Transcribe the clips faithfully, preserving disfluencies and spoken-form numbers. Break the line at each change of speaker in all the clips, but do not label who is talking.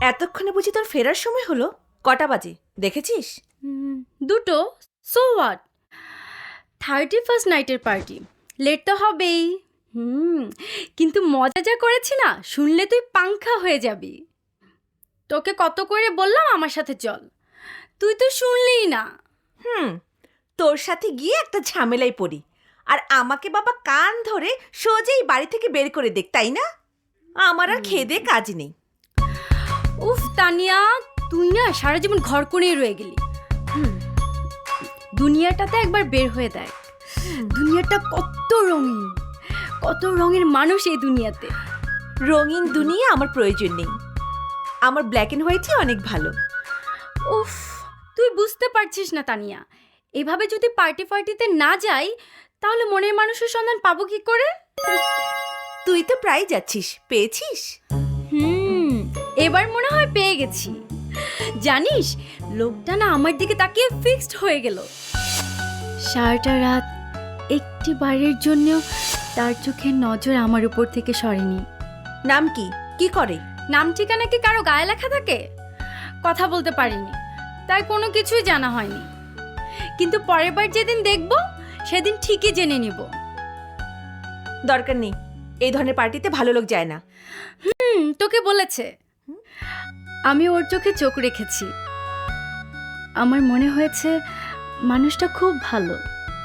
এতক্ষণে বুঝি তোর ফেরার সময় হলো? কটা বাজে দেখেছিস?
দুটো। সো হোয়াট, থার্টি ফার্স্ট নাইটের পার্টি, লেট তো হবেই। হুম কিন্তু মজা যা করেছি না, শুনলে তুই পাংখা হয়ে যাবি। তোকে কত করে বললাম আমার সাথে চল, তুই তো শুনলিই না।
হুম তোর সাথে গিয়ে একটা ঝামেলায় পড়ি, আর আমাকে বাবা কান ধরে সোজাই বাড়ি থেকে বের করে দেখ, তাই না? আমার আর খেয়ে দে কাজ নেই।
উফ তানিয়া, তুই না সারা জীবন ঘর করেই রয়ে গেলি। হুম দুনিয়াটাতে একবার বের হয়ে দেখ, দুনিয়াটা কত রঙিন, কত রঙের মানুষ এই দুনিয়াতে।
রঙিন দুনিয়া আমার প্রয়োজন নেই, আমার ব্ল্যাক অ্যান্ড হোয়াইটই অনেক ভালো।
উফ তুই বুঝতে পারছিস না তানিয়া, এভাবে যদি পার্টি ফার্টিতে না যাই তাহলে মনের মানুষের সন্ধান পাবো কি করে?
তুই তো প্রায় যাচ্ছিস, পেয়েছিস?
হুম এবার মনে হয় পেয়ে গেছি। জানিস লোকটা না আমার দিকে তাকিয়ে ফিক্সড হয়ে গেল। সারাটা রাত একটি বারের জন্য তার চোখের নজর আমার উপর থেকে সরেনি।
নাম কি? কি করে?
নাম ঠিকানা কি কারো গায়ে লেখা থাকে? কথা বলতে পারিনি, তাই কোনো কিছুই জানা হয়নি। কিন্তু পরের বার যেদিন দেখব সেদিন ঠিকই জেনে নিব।
দরকার নেই, এই ধরনের পার্টিতে ভালো লোক যায় না।
হুম তোকে বলেছে। আমি ওর চোখে চোখ রেখেছি, আমার মনে হয়েছে মানুষটা খুব ভালো।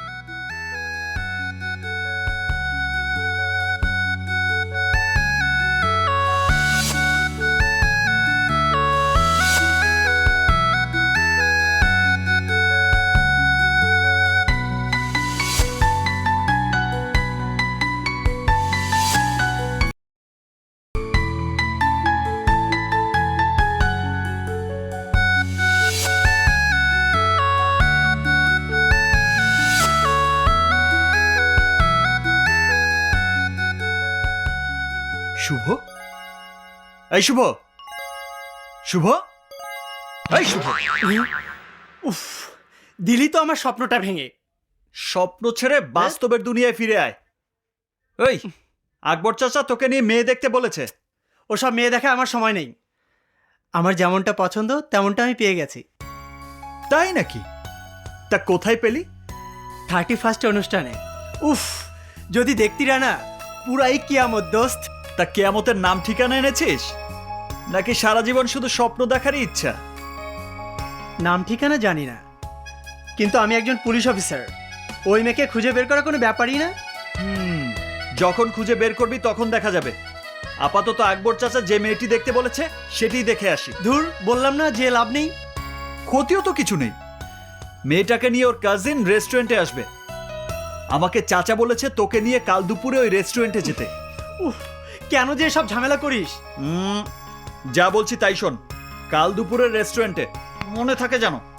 শুভ, এই শুভ, শুভ, এই শুভ।
উফ, দিলি তো আমার স্বপ্নটা ভেঙে।
স্বপ্ন ছেড়ে বাস্তবের দুনিয়ায় ফিরে আয়। ওই আকবর চাচা তোকে নিয়ে মেয়ে দেখতে বলেছে।
ওসব মেয়ে দেখে আমার সময় নেই। আমার যেমনটা পছন্দ তেমনটা আমি পেয়ে গেছি।
তাই নাকি? তা কোথায় পেলি?
থার্টি ফার্স্ট অনুষ্ঠানে। উফ, যদি দেখতিরা না, পুরাই কিয়ামত দোস্ত।
তা কেয়ামতের নাম ঠিকানা এনেছিস, নাকি সারা জীবন শুধু স্বপ্ন দেখারই ইচ্ছা?
নাম ঠিকানা জানি না, কিন্তু আমি একজন পুলিশ অফিসার। ওই মেয়েকে খুঁজে বের করা কোনো ব্যাপারই না।
হুম, যখন খুঁজে বের করবি তখন দেখা যাবে। আপাতত আকবর চাচা যে মেয়েটি দেখতে বলেছে সেটিই দেখে আসি।
ধুর, বললাম না যে লাভ নেই।
ক্ষতিও তো কিছু নেই। মেয়েটাকে নিয়ে ওর কাজিন রেস্টুরেন্টে আসবে। আমাকে চাচা বলেছে তোকে নিয়ে কাল দুপুরে ওই রেস্টুরেন্টে যেতে।
উফ, কেন যে সব ঝামেলা করিস?
হুম, যা বলছি তাই শোন। কাল দুপুরের রেস্টুরেন্টে, মনে থাকে জানো?